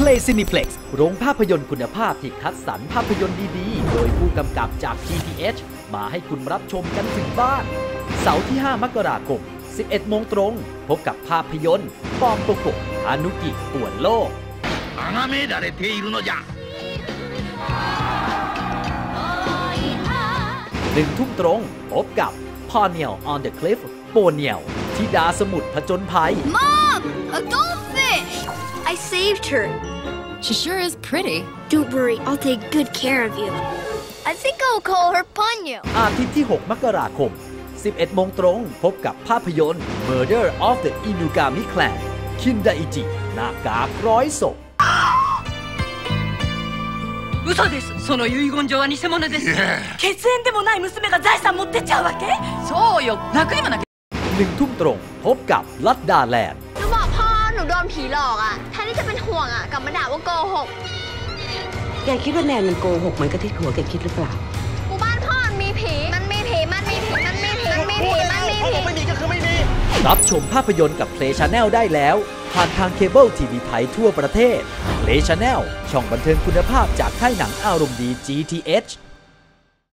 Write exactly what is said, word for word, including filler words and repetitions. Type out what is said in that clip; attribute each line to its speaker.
Speaker 1: Play Cineplex โรงภาพยนตร์คุณภาพที่คัดสรรภาพยนตร์ดีๆโดยผู้กำกับจาก จี ที เอช มาให้คุณรับชมกันถึงบ้านเสาร์ที่ห้ามกราคม สิบเอ็ดโมงตรงพบกับภาพยนตร์ปอมโปโกะฮานุกิป่วนโลกหนึ่งทุ่มตรงพบกับพอเนียล on the cliff โปเนียลธิดาสมุทรผจญภัย
Speaker 2: Mom! A goldfish! I saved her.
Speaker 3: She sure is pretty.
Speaker 2: Don't worry, I'll take good care of you. I think I'll call her Ponyo.
Speaker 1: อาทิตย์ที่ หก มกราคม สิบเอ็ดโมงตรงพบกับภาพยนตร์ Murder of the Inugami Clan คินไดอิจิหน้ากากร้อยศพ
Speaker 4: 嘘です。その遺言状は偽物です。
Speaker 5: 血縁でもない娘が財産持ってっちゃうわけ？
Speaker 4: そうよ。泣くにも泣け。
Speaker 1: หนึ่งทุ่มตรงพบกับลัดดาแลนด์
Speaker 2: หนูบอกพ่อหนูโดนผีหลอกอ่ะแทนที่จะเป็นห่วงอ่ะกลับมาด่าว่าโกหก
Speaker 5: แกคิดว่าแนนมันโกหกเหมือนกับที่หัวแกคิดหรือเปล่า
Speaker 2: หมู่บ้านพ่อมันมีผีมันมีผีมันมีผีมันมีผีมันมีผีมันมีผีไม่มีก็คือไม่มี
Speaker 1: รับชมภาพยนตร์กับ Play Channel ได้แล้วผ่านทางเคเบิลทีวีไทยทั่วประเทศ Play Channel ช่องบันเทิงคุณภาพจากค่ายหนังอารมณ์ดี จี ที เอช